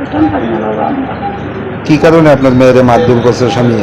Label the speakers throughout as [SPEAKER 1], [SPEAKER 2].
[SPEAKER 1] কি কারণে আপনার মেয়েরে মারধর করছে স্বামী?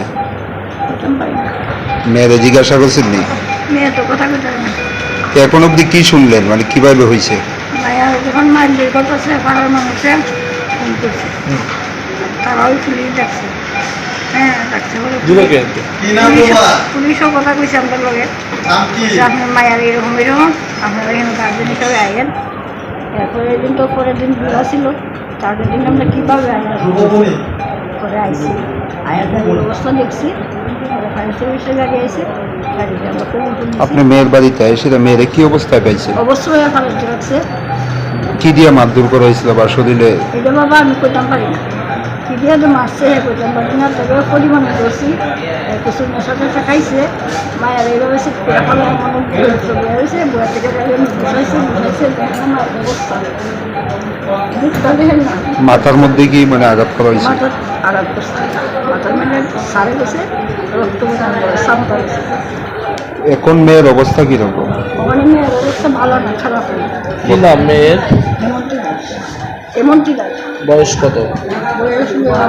[SPEAKER 1] মেয়েরে জিজ্ঞাসা করছেন নি?
[SPEAKER 2] মেয়ে তো কথা কইতে পারে না।
[SPEAKER 1] এখন অব্দি কি শুনলেন, মানে কিভাবে হয়েছে?
[SPEAKER 2] মায়া যখন মারধর করতেছে পাড়ার মানুষে ফোন করছে, তারাও পুলিশ ডাকছে। হ্যাঁ ডাকছে বলে পুলিশও কথা কইছে আমাদের লগে, আপনার মায়ার এরকম এরকম, আপনারা এখানে গার্জেন হিসাবে আইয়েন। এরপরের দিন তো পরের দিন ঘোরা ছিল, তারপরের দিন আমরা কীভাবে করে আইসি, আয়ার গাড়ির অবস্থা দেখছি, ফায়ার সার্ভিসের গাড়ি আইসে, গাড়িতে আমরা
[SPEAKER 1] আপনি মেয়ের বাড়িতে এসে মেয়েরে কি অবস্থায় পাইছে?
[SPEAKER 2] অবশ্যই ফালাইতে রাখছে।
[SPEAKER 1] কি দিয়ে মারধর করা হয়েছিল বা শরীরে?
[SPEAKER 2] এটা বাবা আমি কইতাম পারি না, কি দিয়ে তো মারছে কইতাম পারি না, তবে পরিমাণে করছি। কিছু নেশা টেশা খাইছে, মায়ের এইভাবে সে ফেলা মনে হয়েছে, বইয়া থেকে বসাইছে মায়ের অবস্থা বুঝতে দেখেন না।
[SPEAKER 1] মাথার মধ্যে কি মানে আঘাত করা হয়েছে?
[SPEAKER 2] মাথার আঘাত করছে, মাথার মধ্যে সারে গেছে, রক্ত সামতা গেছে।
[SPEAKER 1] এখন মেয়ের অবস্থা কিরকম?
[SPEAKER 2] ওখানে মেয়ের অবস্থা ভালো না, খারাপ হয়ে
[SPEAKER 3] কি নাম মেয়ের?
[SPEAKER 2] এমনটি দাস।
[SPEAKER 3] বয়স কত?
[SPEAKER 2] বয়স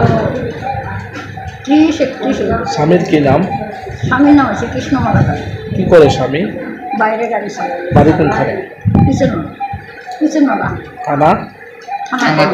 [SPEAKER 2] 30-31।
[SPEAKER 3] স্বামীর কি নাম?
[SPEAKER 2] স্বামীর নাম আছে কৃষ্ণমালা দাস।
[SPEAKER 3] কি করে স্বামী?
[SPEAKER 2] বাইরে গাড়ি চালায়।
[SPEAKER 3] বাড়ি কোনখানে?
[SPEAKER 2] কিচেনমালা
[SPEAKER 3] থানা?
[SPEAKER 2] থানা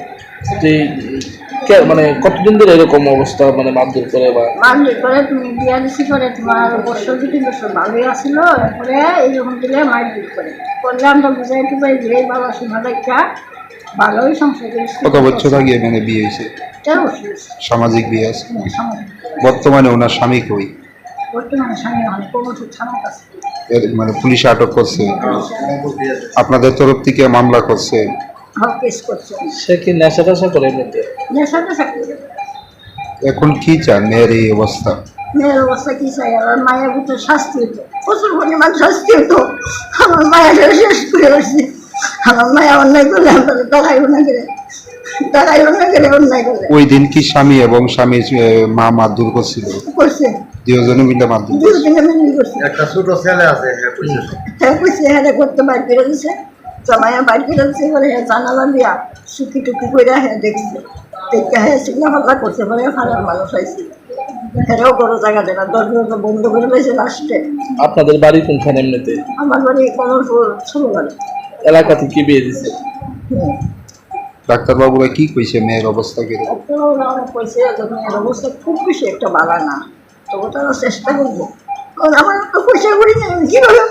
[SPEAKER 3] মানে কতদিন ধরে এরকম অবস্থা, মানে মারধর করে বা
[SPEAKER 2] মারধর করে? তুমি বিয়া দিছি করে তোমার বছর 2-3 বছর ভালোই আসছিল, এরপরে এইরকম দিলে মারধর করে করলে আমরা বুঝাই টুবাই যে বাবা শোনা দেখা ভালোই সংসার করেছি।
[SPEAKER 1] কত বছর আগে মানে বিয়ে হয়েছে?
[SPEAKER 2] 13 বছর।
[SPEAKER 1] সামাজিক বিয়ে আছে।
[SPEAKER 2] সামাজিক।
[SPEAKER 1] বর্তমানে ওনার স্বামী কই?
[SPEAKER 2] বর্তমানে স্বামী অনেক কমঠুর থানার কাছে।
[SPEAKER 1] মানে পুলিশ আটক করছে, আপনাদের তরফ থেকে মামলা করছে?
[SPEAKER 2] কেস করছে।
[SPEAKER 3] সে কি নেশা টেশা করে এমনিতে?
[SPEAKER 2] নেশাতে চাকরি।
[SPEAKER 1] এখন কি চান মেয়ের এই অবস্থা?
[SPEAKER 2] মেয়ের অবস্থা কি চাই? আমার মায়ের ভিতরে শাস্তি হতো, প্রচুর পরিমাণ শাস্তি হতো। আমার মায়ের শেষ করে আসছে। আমার মায়া অন্যায় করলে আমরা টাকাইব না করে অন্যায় করলে।
[SPEAKER 1] ওই দিন কি স্বামী এবং স্বামীর মা মারধর করছিল?
[SPEAKER 2] করছে
[SPEAKER 1] দুজনে মিলে মারধর করছে।
[SPEAKER 2] দুজনে মিলে করছে।
[SPEAKER 4] একটা ছোট ছেলে আছে,
[SPEAKER 2] হ্যাঁ কইছে, হ্যাঁ করতে বাইর করে দিছে, জামাইয়া বাইর করে দিচ্ছে। এবারে হ্যাঁ জানালা দিয়া সুখি টুকি করে হ্যাঁ দেখছে, দেখে হ্যাঁ সিগনা হল্লা করছে। পরে ফারার মানুষ আইছে, হেরাও বড় জায়গা দেয় না, দরজা বন্ধ করে রয়েছে লাস্টে।
[SPEAKER 3] আপনাদের বাড়ি কোনখানে এমনিতে?
[SPEAKER 2] আমার বাড়ি কমলপুর ছোট বাড়ি।
[SPEAKER 3] এলাকাতে কি বিয়ে দিছে?
[SPEAKER 1] ডাক্তারবাবুরা কি কইছে মেয়ের অবস্থা কিরকম?
[SPEAKER 2] কইছে যে মেয়ের অবস্থা খুব বেশি একটা ভালো না, তবু তারা চেষ্টা করবো। কারণ আমার তো পয়সা করি না, কিভাবে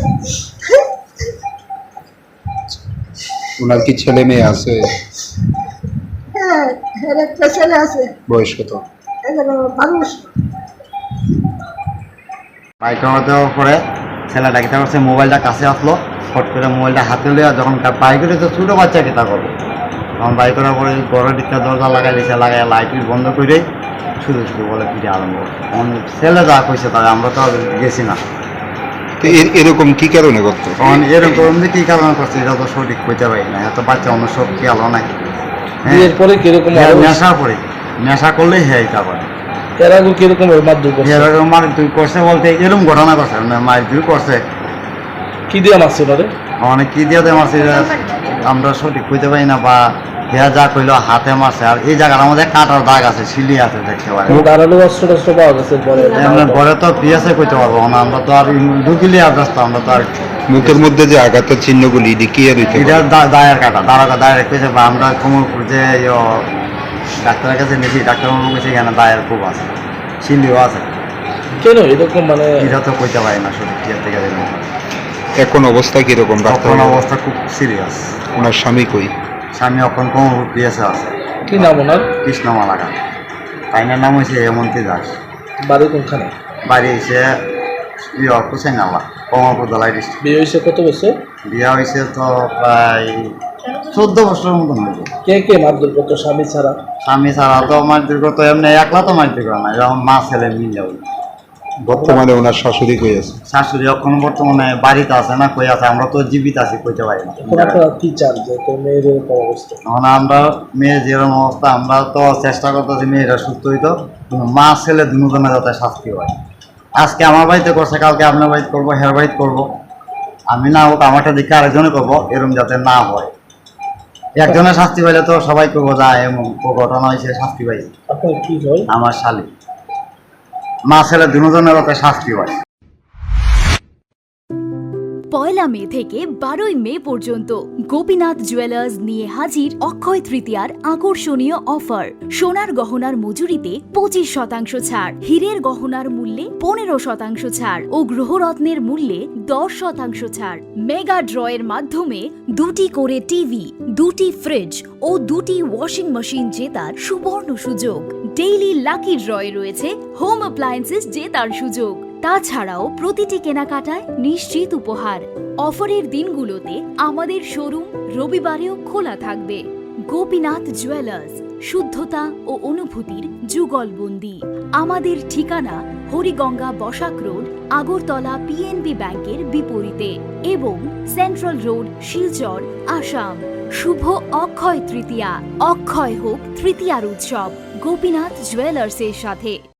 [SPEAKER 1] ওনার কি ছেলে মেয়ে আছে?
[SPEAKER 2] হ্যাঁ হ্যাঁ একটা ছেলে আছে।
[SPEAKER 1] বয়স কত?
[SPEAKER 2] 12
[SPEAKER 4] বাইক দেওয়ার পরে ছেলেটা কিতা করছে, মোবাইলটা কাছে আসলো, ফট করে মোবাইলটা হাতে লিয়া যখন বাইকের তো ছোটো বাচ্চা কিতা করবো, তখন বাইক করার পরে ঘরের দিকটা দরজা লাগাই দিয়েছে, লাগাই লাইট বন্ধ করে শুধু শুধু বলে ফিরে আরম্ভ। তখন ছেলে যা কইছে তাহলে আমরা তো আর গেছি না।
[SPEAKER 1] তো এরকম কি কারণে করতো?
[SPEAKER 4] তখন এরকম যে কী কারণে করছে এটা তো সঠিক কইতে পারি না, এত বাচ্চা অন্য সব কি আলো নাকি।
[SPEAKER 3] বিয়ের পরে কিরকম
[SPEAKER 4] নেশা করে, নেশা করলেই হ্যাঁ এটা করে।
[SPEAKER 3] এর আগে কিরকম মারধর করছে?
[SPEAKER 4] এরকম মারধর করছে বলতে এরকম ঘটনা করছে, মারধর করছে।
[SPEAKER 3] কি দিয়ে মারছে ওনারে?
[SPEAKER 4] অনেক কি দিয়ে মারছে আমরা সঠিক কইতে পারি না, বা দেয়া যা কইলো হাতে মারছে। আর এই জায়গার আমাদের কাটার দাগ আছে, সিলি আছে, দেখতে পারে।
[SPEAKER 3] ধারালো অস্ত্র টস্ত্র পাওয়া গেছে পরে?
[SPEAKER 4] ঘরে তো পিয়াসে কইতে পারবো না, আমরা তো আর ঢুকিলে ব্যস্ত, আমরা তো আর।
[SPEAKER 1] মুখের মধ্যে যে আঘাতের চিহ্নগুলি কি আর
[SPEAKER 4] এটা দায়ের কাটা, দাঁড়া দায়ের কইছে, বা আমরা কোমরপুর যে ডাক্তারের কাছে নিয়েছি, ডাক্তারবাবু কইছে এখানে দায়ের খুব আছে, সিলিও আছে।
[SPEAKER 3] কেন এরকম মানে?
[SPEAKER 4] এটা তো কইতে পারি না সঠিক টিয়ার থেকে।
[SPEAKER 1] এখন অবস্থা কিরকম?
[SPEAKER 4] তখন অবস্থা খুব সিরিয়াস।
[SPEAKER 1] ওনার স্বামী কই?
[SPEAKER 4] স্বামী এখন কোমরপুর পিয়াসে আছে।
[SPEAKER 3] কি নাম ওনার?
[SPEAKER 4] কৃষ্ণমালা গান। তাইনার নাম হয়েছে হেমন্তী দাস।
[SPEAKER 3] বাড়ি কোনখানে?
[SPEAKER 4] বাড়ি হয়েছে কুসাই নালা, কমলপুর দলাই ডিস্ট্রিক্ট।
[SPEAKER 3] বিয়ে হয়েছে কত বছর?
[SPEAKER 4] বিয়া হয়েছে তো প্রায় 14 বছরের মতন হয়েছে।
[SPEAKER 3] কে কে মারধর করতো স্বামী ছাড়া?
[SPEAKER 4] স্বামী ছাড়া তো মারধর করতো, এমনি একলা তো মারধর করে না, যেমন মা ছেলে মিলে।
[SPEAKER 1] বর্তমানে ওনার শাশুড়ি কই আছে?
[SPEAKER 4] শাশুড়ি এখন বর্তমানে বাড়িতে আছে না, কই আছে, আমরা তো জীবিত আছি, কইতে পারি না।
[SPEAKER 3] আপনারা কি চান যে তোর মেয়ের এরকম অবস্থা?
[SPEAKER 4] তখন আমরা মেয়ে যেরকম অবস্থা, আমরা তো চেষ্টা করতেছি মেয়েরা সুস্থ হইতো, মা ছেলে দুজনে যাতে শাস্তি হয়। আজকে আমার বাড়িতে করছে, কালকে আপনার বাড়িতে করবো, হের বাড়িতে করবো। আমি না হোক আমারটা দিকে আরেকজনে করবো, এরকম যাতে না হয়। একজনের শাস্তি পাইলে তো সবাই করবো যায়, এমন ঘটনা হয়েছে শাস্তি পাইছে।
[SPEAKER 3] আপনার কি হয়?
[SPEAKER 4] আমার শালি মা ছেলে দুজনের ওকে শাস্তি হয়।
[SPEAKER 5] 1 মে থেকে 12 মে পর্যন্ত গোপীনাথ জুয়েলার্স নিয়ে হাজির অক্ষয় তৃতীয়ার আকর্ষণীয় অফার। সোনার গহনার মজুরিতে 25% ছাড়, হীরের গহনার মূল্যে 15% ছাড় ও গ্রহরত্নের মূল্যে 10% ছাড়। মেগা ড্রয়ের মাধ্যমে 2টি করে টিভি, 2টি ফ্রিজ ও 2টি ওয়াশিং মেশিন জেতার সুবর্ণ সুযোগ। ডেইলি লাকি ড্রয়ে রয়েছে হোম অ্যাপ্লায়েন্সেস জেতার সুযোগ। তাছাড়াও প্রতিটি কেনাকাটায় নিশ্চিত উপহার। অফারের দিনগুলোতে আমাদের শোরুম রবিবারেও খোলা থাকবে। গোপীনাথ জুয়েলার্স, শুদ্ধতা ও অনুভূতির যুগলবন্দি। আমাদের ঠিকানা হরিগঙ্গা বসাক রোড, আগরতলা পিএনবি ব্যাংকের বিপরীতে এবং সেন্ট্রাল রোড, শিলচর, আসাম। শুভ অক্ষয় তৃতীয়া। অক্ষয় হোক তৃতীয়ার উৎসব গোপীনাথ জুয়েলার্সের সাথে।